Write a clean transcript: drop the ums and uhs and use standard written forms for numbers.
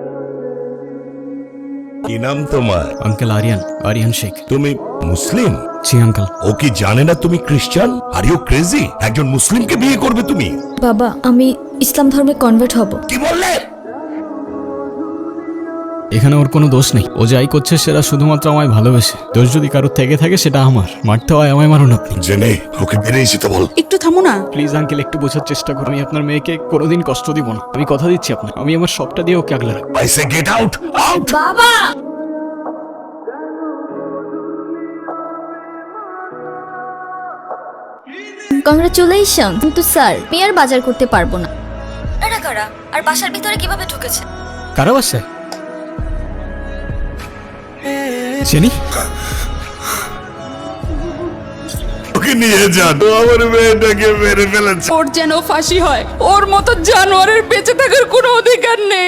কি নাম তোমার? আঙ্কেল আরিয়ান শেখ। তুমি মুসলিম? জি আঙ্কেল। ও কি জানে না তুমি খ্রিস্টান? Are you crazy? একজন মুসলিমকে বিয়ে করবে তুমি? বাবা, আমি ইসলাম ধর্মে কনভার্ট হব। কি বললে? এখানে ওর কোনো দোষ নেই। ও যাই করছে সেটা শুধুমাত্র আমায় ভালোবেসে। দোষ যদি কারোর থেকে থাকে সেটা আমার। মারতে হয় আমায় মারুন আপনি। জেনে ওকে বেরিয়ে যেতে বল। একটু থামো না। প্লিজ আঙ্কেল, একটু বোঝার চেষ্টা করুন। আমি আপনার মেয়েকে কোনোদিন কষ্ট দিব না। আমি কথা দিচ্ছি আপনার। আমি আমার সবটা দিয়ে ওকে আগলে রাখবো। I say get out, out. বাবা, কংগ্রাচুলেশন। কিন্তু স্যার, আমি আর বাজার করতে পারবো না। এরা কারা? আর বাসার ভিতরে কিভাবে ঢুকেছে? কারা বাসায়? জেনি? ওকে নিয়ে যান, ও আমার মেয়েটাকে মেরে ফেলেছে। ওর যেন ফাঁসি হয়। ওর মতো জানোয়ারের বেঁচে থাকার কোনো অধিকার নেই।